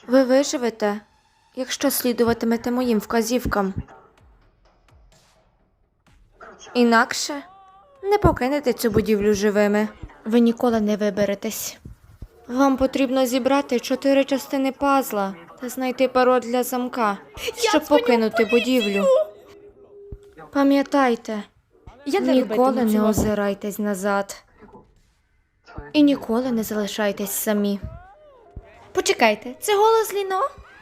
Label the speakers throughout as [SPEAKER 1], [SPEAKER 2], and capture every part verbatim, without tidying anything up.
[SPEAKER 1] Ви виживете, якщо слідуватимете моїм вказівкам. Інакше не покинете цю будівлю живими. Ви ніколи не виберетесь. Вам потрібно зібрати чотири частини пазла та знайти пароль для замка, щоб покинути будівлю. Пам'ятайте,
[SPEAKER 2] Я не
[SPEAKER 1] ніколи
[SPEAKER 2] робитиму
[SPEAKER 1] не
[SPEAKER 2] цього.
[SPEAKER 1] озирайтесь назад. І ніколи не залишайтесь самі.
[SPEAKER 2] Почекайте, це голос Ліно?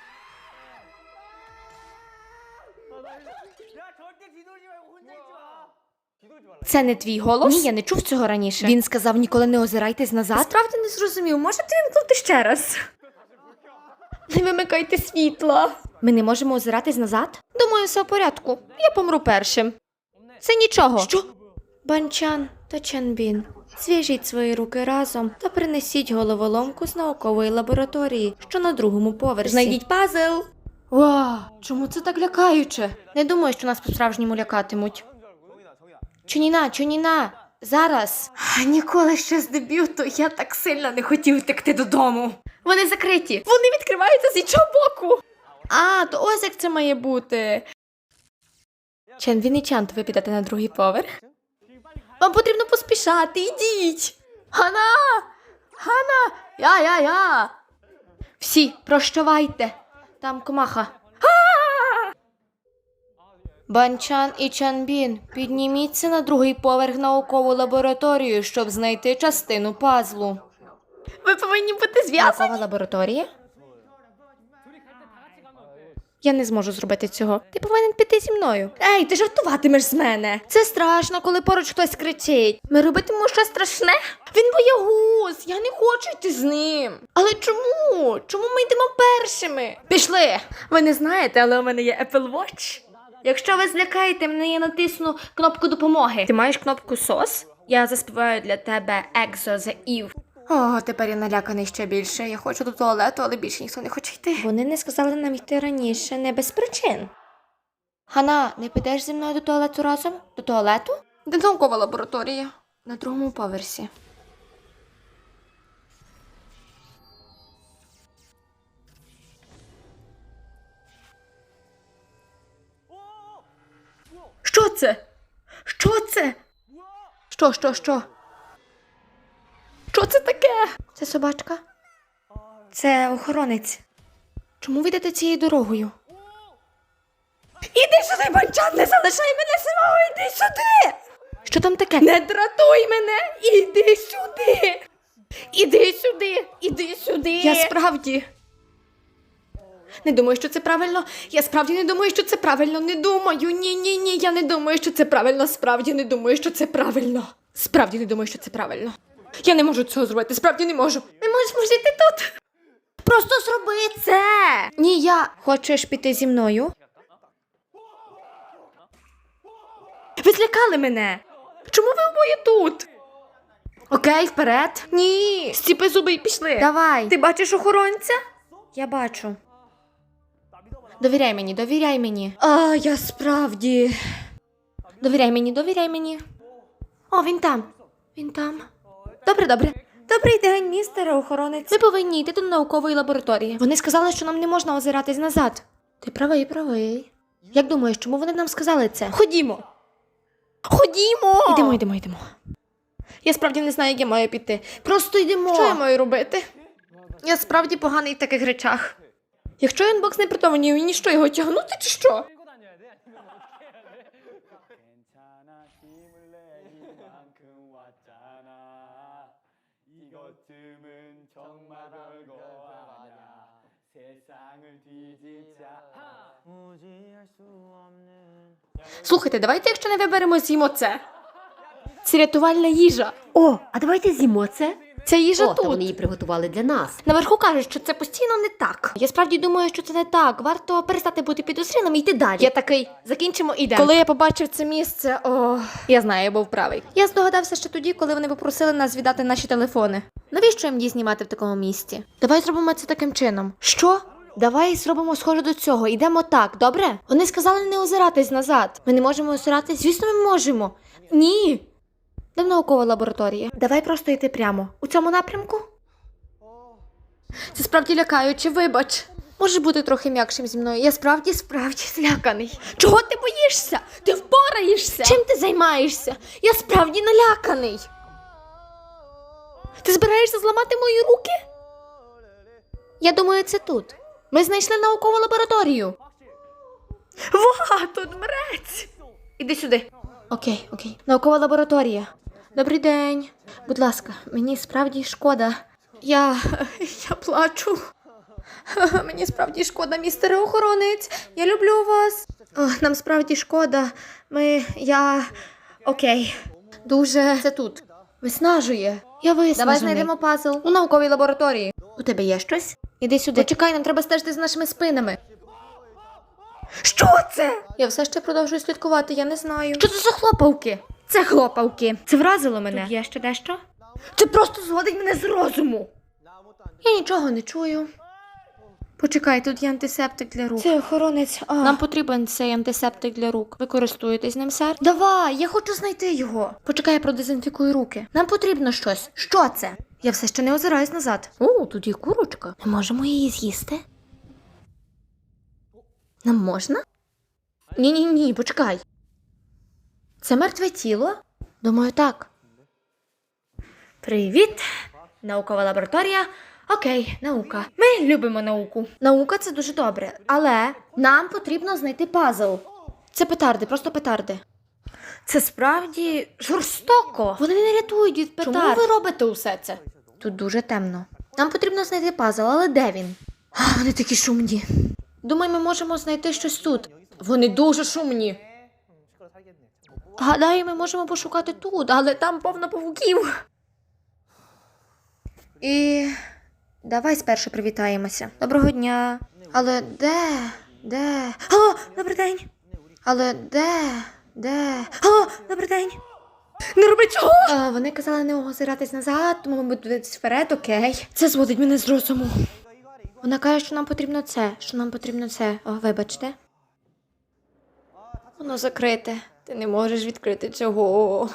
[SPEAKER 2] Це не твій голос?
[SPEAKER 1] Ні, я не чув цього раніше.
[SPEAKER 2] Він сказав, ніколи не озирайтесь назад?
[SPEAKER 1] Справді не зрозумів. Можете вімкнути ще раз?
[SPEAKER 2] Не вимикайте світла.
[SPEAKER 1] Ми не можемо озиратись назад?
[SPEAKER 2] Думаю, все в порядку. Я помру першим. Це нічого.
[SPEAKER 1] Що? Банчан та Чанбін, зв'яжіть свої руки разом та принесіть головоломку з наукової лабораторії, що на другому поверсі.
[SPEAKER 2] Знайдіть пазл.
[SPEAKER 1] Вау, чому це так лякаюче? Не думаю, що нас по-справжньому лякатимуть. Чуніна, Чуніна, зараз. Ніколи ще з дебюту я так сильно не хотів втекти додому.
[SPEAKER 2] Вони закриті. Вони відкриваються з іншого боку. А, то ось як це має бути.
[SPEAKER 1] Чанбін і Чант, ви підете на другий поверх?
[SPEAKER 2] Вам потрібно поспішати, ідіть. Хана! Хана! Я-я-я!
[SPEAKER 1] Всі, прощавайте. Там комаха. Банчан і Чанбін, підніміться на другий поверх наукову лабораторію, щоб знайти частину пазлу.
[SPEAKER 2] Ви повинні бути зв'язані.
[SPEAKER 1] Наукова лабораторія? Я не зможу зробити цього. Ти повинен піти зі мною.
[SPEAKER 2] Ей, ти жартуватимеш з мене.
[SPEAKER 1] Це страшно, коли поруч хтось кричить.
[SPEAKER 2] Ми робитимемо щось страшне? Він боягуз, я не хочу йти з ним. Але чому? Чому ми йдемо першими? Пішли. Ви не знаєте, але у мене є Apple Watch. Якщо ви злякаєте мене, я натисну кнопку допомоги. Ти маєш кнопку сос? Я заспіваю для тебе Exo the Eve.
[SPEAKER 1] О, тепер я наляканий ще більше. Я хочу до туалету, але більше ніхто не хоче йти. Вони не сказали нам йти раніше, не без причин. Хана, не підеш зі мною до туалету разом? До туалету? Де наукова лабораторія? На другому поверсі.
[SPEAKER 2] Що це? Що це?
[SPEAKER 1] Що, що, що?
[SPEAKER 2] Що це таке?
[SPEAKER 1] Це собачка? Це охоронець. Чому ви йдете цією дорогою?
[SPEAKER 2] Іди сюди, Банчан, не залишай мене самого, іди сюди!
[SPEAKER 1] Що там таке?
[SPEAKER 2] Не дратуй мене! Іди сюди! Іди сюди! Іди сюди!
[SPEAKER 1] Я справді...
[SPEAKER 2] Не думаю, що це правильно. Я справді не думаю, що це правильно. Не думаю. Ні, ні, ні. Я не думаю, що це правильно. Справді не думаю, що це правильно. Справді не думаю, що це правильно. Я не можу цього зробити. Справді не можу. Не можеш жити тут. Просто зроби це.
[SPEAKER 1] Ні, я... Хочеш піти зі мною?
[SPEAKER 2] Ви злякали мене. Чому ви обоє тут? Окей, вперед. Ні. Стіпи зуби і пішли.
[SPEAKER 1] Давай.
[SPEAKER 2] Ти бачиш охоронця?
[SPEAKER 1] Я бачу. Довіряй мені, довіряй мені.
[SPEAKER 2] А, я справді.
[SPEAKER 1] Довіряй мені, довіряй мені. О, він там. Він там.
[SPEAKER 2] Добре, добре.
[SPEAKER 1] Добрий день, містере охоронець. Ми повинні йти до наукової лабораторії. Вони сказали, що нам не можна озиратись назад. Ти правий, правий. Як думаєш, чому вони нам сказали це?
[SPEAKER 2] Ходімо. Ходімо.
[SPEAKER 1] Йдемо, йдемо, йдемо.
[SPEAKER 2] Я справді не знаю, як я маю піти. Просто йдемо. Що я маю робити? Я справді поганий в таких речах. Якщо інбокс не притомнів, мені що, його тягнути чи що?
[SPEAKER 3] 괜찮아 힘을 내 이만큼 왔잖아 이것쯤은 정말 별거 아냐 세상을 뒤집자 무지할 수 없는
[SPEAKER 2] Слухайте, давайте, якщо не виберемо, з'їмо це. Це рятувальна їжа.
[SPEAKER 4] О, а давайте з'їмо це.
[SPEAKER 2] Ця їжа
[SPEAKER 4] О, та
[SPEAKER 2] тут.
[SPEAKER 4] вони її приготували для нас.
[SPEAKER 2] Наверху кажуть, що це постійно не так.
[SPEAKER 1] Я справді думаю, що це не так. Варто перестати бути підозрілим і йти далі.
[SPEAKER 2] Я такий, закінчимо і йдемо. Коли я побачив це місце, о, я знаю, я був правий.
[SPEAKER 1] Я здогадався ще тоді, коли вони попросили нас віддати наші телефони. Навіщо їм її знімати в такому місці? Давай зробимо це таким чином. Що? Давай зробимо схоже до цього. Йдемо так, добре? Вони сказали не озиратись назад. Ми не можемо озиратись? Звісно, ми можемо.
[SPEAKER 2] Ні.
[SPEAKER 1] Де наукова лабораторія? Давай просто йти прямо. У цьому напрямку?
[SPEAKER 2] Це справді лякаюче, вибач.
[SPEAKER 1] Можеш бути трохи м'якшим зі мною. Я справді, справді зляканий. Чого ти боїшся? Ти впораєшся. Чим ти займаєшся? Я справді наляканий. Ти збираєшся зламати мої руки? Я думаю, це тут. Ми знайшли наукову лабораторію.
[SPEAKER 2] Ва, тут мрець. Іди сюди.
[SPEAKER 1] Окей, окей. Наукова лабораторія. Добрий день. Будь ласка, мені справді шкода. Я. я плачу. Мені справді шкода, містере охоронець. Я люблю вас. О, нам справді шкода. Ми. я. Окей. Дуже. Це тут. Виснажує. Я виснажений. Давай знайдемо пазл. У науковій лабораторії. У тебе є щось? Іди сюди. Почекай, нам треба стежити з нашими спинами.
[SPEAKER 2] Що це?
[SPEAKER 1] Я все ще продовжую слідкувати, я не знаю. Що це за хлопавки? Це хлопавки. Це вразило мене. Тут є ще дещо?
[SPEAKER 2] Це просто зводить мене з розуму.
[SPEAKER 1] Я нічого не чую. Почекай, тут є антисептик для рук. Це охоронець. А. Нам потрібен цей антисептик для рук. Ви користуєтесь ним, сер? Давай, я хочу знайти його. Почекай, я продезінфікую руки. Нам потрібно щось. Що це? Я все ще не озираюсь назад. О, тут є курочка. Ми можемо її з'їсти? Нам можна? Ні-ні-ні, почекай. Це мертве тіло? Думаю, так. Привіт, наукова лабораторія. Окей, наука. Ми любимо науку. Наука – це дуже добре, але нам потрібно знайти пазл. Це петарди, просто петарди. Це справді жорстоко. Вони не рятують від петард. Чому ви робите усе це? Тут дуже темно. Нам потрібно знайти пазл, але де він? А, вони такі шумні. Думаю, ми можемо знайти щось тут. Вони дуже шумні. Гадаю, ми можемо пошукати тут, але там повно павуків. І давай спершу привітаємося. Доброго дня. Але де? Де? О, добрий день. Але де? Де? О, добрий день.
[SPEAKER 2] Не роби цього!
[SPEAKER 1] А, вони казали не озиратись назад, тому ми будемо вперед, окей. Це зводить мене з розуму. Вона каже, що нам потрібно це, що нам потрібно це. О, вибачте. Воно закрите. Ти не можеш відкрити цього.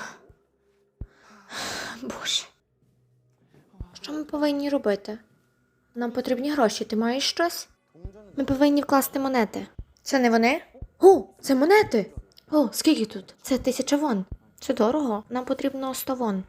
[SPEAKER 1] Боже. Що ми повинні робити? Нам потрібні гроші. Ти маєш щось? Ми повинні вкласти монети. Це не вони? О, це монети! О, скільки тут? Це тисяча вон. Це дорого. Нам потрібно сто вон.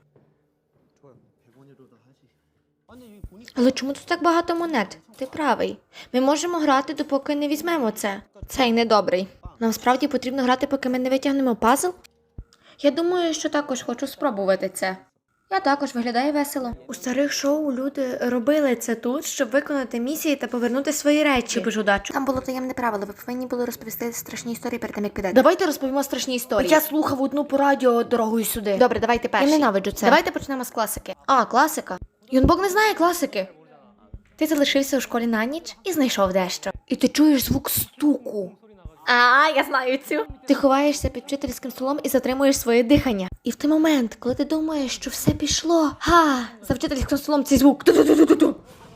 [SPEAKER 1] Але чому тут так багато монет? Ти правий. Ми можемо грати, допоки не візьмемо це. Цей недобрий. Нам справді потрібно грати, поки ми не витягнемо пазл? Я думаю, що також хочу спробувати це. Я також, виглядає весело. У старих шоу люди робили це тут, щоб виконати місії та повернути свої речі. Любиш удачу. Там було таємне правило, ви повинні були розповісти страшні історії перед тим, як підете. Давайте розповімо страшні історії.
[SPEAKER 2] Я слухав одну по радіо дорогою сюди.
[SPEAKER 1] Добре, давайте перші. Я ненавиджу це. Давайте почнемо з класики. А, класика. Юнбок не знає класики. Ти залишився у школі на ніч і знайшов дещо.
[SPEAKER 2] І ти чуєш звук стуку.
[SPEAKER 1] А, я знаю цю. Ти ховаєшся під вчительським столом і затримуєш своє дихання. І в той момент, коли ти думаєш, що все пішло, га, за вчительським столом цей звук. Ту-ту-ту-ту-ту.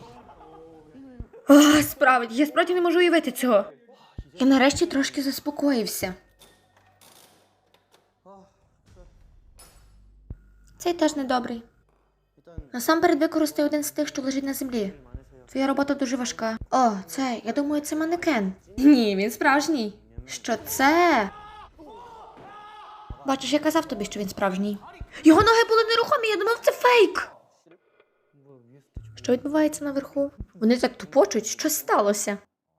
[SPEAKER 2] А, справді, я справді не можу уявити цього.
[SPEAKER 1] Я нарешті трошки заспокоївся. Цей теж недобрий. Насамперед використай один з тих, що лежить на землі. Твоя робота дуже важка. О, це, я думаю, це манекен.
[SPEAKER 2] Ні, він справжній.
[SPEAKER 1] Що це? Бачиш, я казав тобі, що він справжній.
[SPEAKER 2] Його ноги були нерухомі, я думав, це фейк.
[SPEAKER 1] Що відбувається наверху? Вони так тупочуть, щось сталося.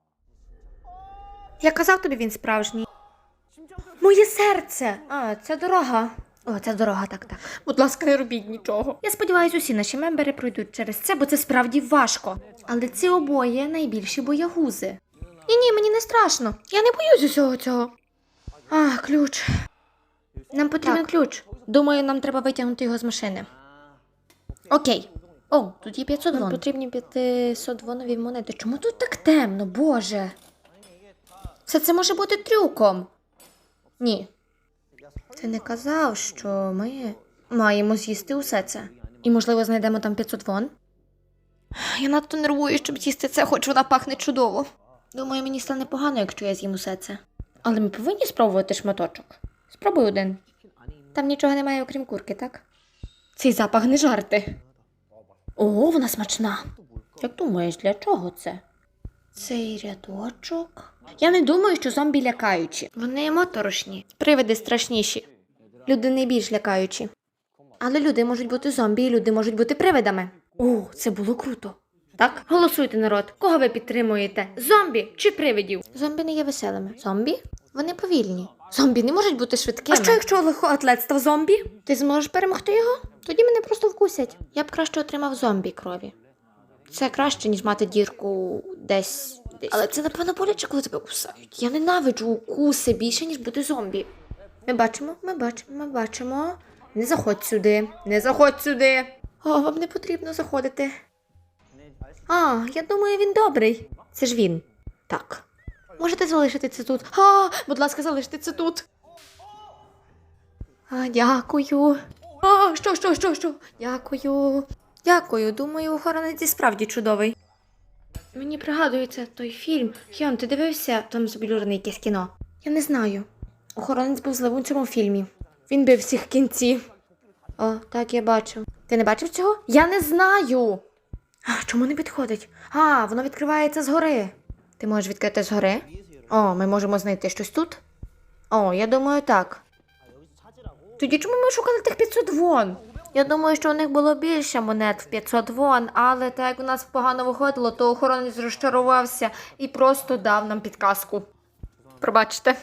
[SPEAKER 1] Я казав тобі, він справжній.
[SPEAKER 2] Моє серце.
[SPEAKER 1] А, це дорога. О, це дорога, так, так.
[SPEAKER 2] Будь ласка, не робіть нічого.
[SPEAKER 1] Я сподіваюся, усі наші мембери пройдуть через це, бо це справді важко. Але ці обоє найбільші боягузи. Ні-ні, мені не страшно. Я не боюсь усього цього. А, ключ. Нам потрібен
[SPEAKER 2] Так.
[SPEAKER 1] ключ. Думаю, нам треба витягнути його з машини. Окей. О, тут є п'ятсот вон. Нам потрібні п'ятсот вонові монети. Чому тут так темно, боже? Все це може бути трюком. Ні. Ти не казав, що ми маємо з'їсти усе це. І, можливо, знайдемо там п'ятсот вон? Я надто нервую, щоб з'їсти це, хоч вона пахне чудово. Думаю, мені стане погано, якщо я з'їм усе це. Але ми повинні спробувати шматочок. Спробуй один. Там нічого немає, окрім курки, так? Цей запах не жарти. Ого, вона смачна. Як думаєш, для чого це? Цей рядочок. Я не думаю, що зомбі лякаючі. Вони моторошні. Привиди страшніші. Люди не більш лякаючі. Але люди можуть бути зомбі, і люди можуть бути привидами. О, це було круто. Так, голосуйте, народ. Кого ви підтримуєте? Зомбі чи привидів? Зомбі не є веселими. Зомбі? Вони повільні. Зомбі не можуть бути швидкими.
[SPEAKER 2] А що, якщо легкоатлет став зомбі?
[SPEAKER 1] Ти зможеш перемогти його? Тоді мене просто вкусять. Я б краще отримав зомбі крові. Це краще, ніж мати дірку десь. десь. Але це, напевно, боляче, коли тебе кусають. Я ненавиджу укуси більше, ніж бути зомбі. Ми бачимо, ми бачимо, ми бачимо. Не заходь сюди, не заходь сюди. О, вам не потрібно заходити. А, я думаю, він добрий. Це ж він. Так. Можете залишити це тут. А, будь ласка, залиште це тут. А, дякую. А, що, що, що, що? Дякую. Дякую. Думаю, охоронець і справді чудовий. Мені пригадується той фільм. Хьон, ти дивився там заблюрене якесь кіно? Я не знаю. Охоронець був злим у цьому фільмі. Він бив всіх в кінці. О, так, я бачу. Ти не бачив цього? Я не знаю. А, чому не підходить? А, воно відкривається згори. Ти можеш відкрити згори? О, ми можемо знайти щось тут? О, я думаю, так. Тоді чому ми шукали тих п'ятсот вон? Я думаю, що у них було більше монет в п'ятсот вон, але так як у нас погано виходило, то охоронець розчарувався і просто дав нам підказку. Пробачте.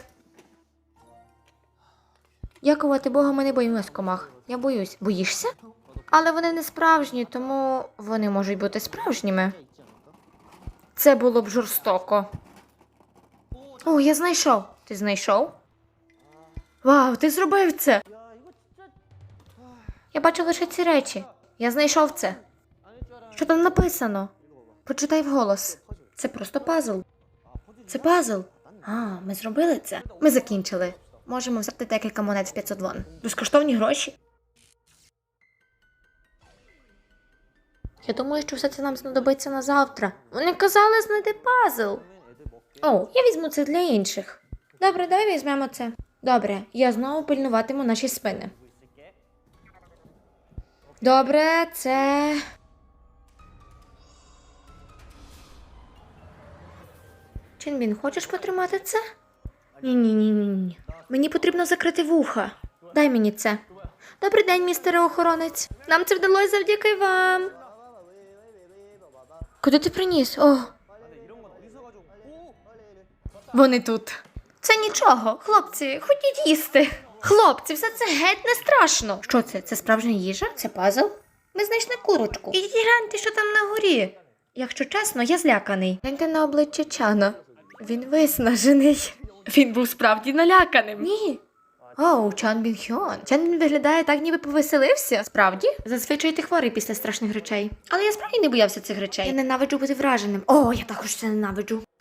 [SPEAKER 1] Дякувати Богу, ми не боїмось комах. Я боюсь. Боїшся? Але вони не справжні, тому вони можуть бути справжніми. Це було б жорстоко. О, я знайшов. Ти знайшов? Вау, ти зробив це! Я бачу лише ці речі. Я знайшов це. Що там написано? Почитай вголос. Це просто пазл. Це пазл. А, ми зробили це. Ми закінчили. Можемо взяти декілька монет в п'ятсот вон. Безкоштовні гроші. Я думаю, що все це нам знадобиться на завтра. Вони казали знайти пазл. О, я візьму це для інших. Добре, давай візьмемо це. Добре, я знову пильнуватиму наші спини. Добре, це... Чинбін, хочеш потримати це? Ні-ні-ні-ні. Мені потрібно закрити вуха. Дай мені це. Добрий день, містере охоронець. Нам це вдалося завдяки вам. Куди ти приніс? О. Вони тут. Це нічого. Хлопці, ходіть їсти. Хлопці, все це геть не страшно. Що це? Це справжня їжа? Це пазл? Ми знайшли курочку. Ідіть гляньте, що там на горі. Якщо чесно, я зляканий. Гляньте на обличчя Чана. Він виснажений. Він був справді наляканим. Ні. Оу, Чан Бін Хьон. Чан Бін виглядає так, ніби повеселився. Справді? Зазвичай ти хворий після страшних речей. Але я справді не боявся цих речей. Я ненавиджу бути враженим. О, я також це ненавиджу.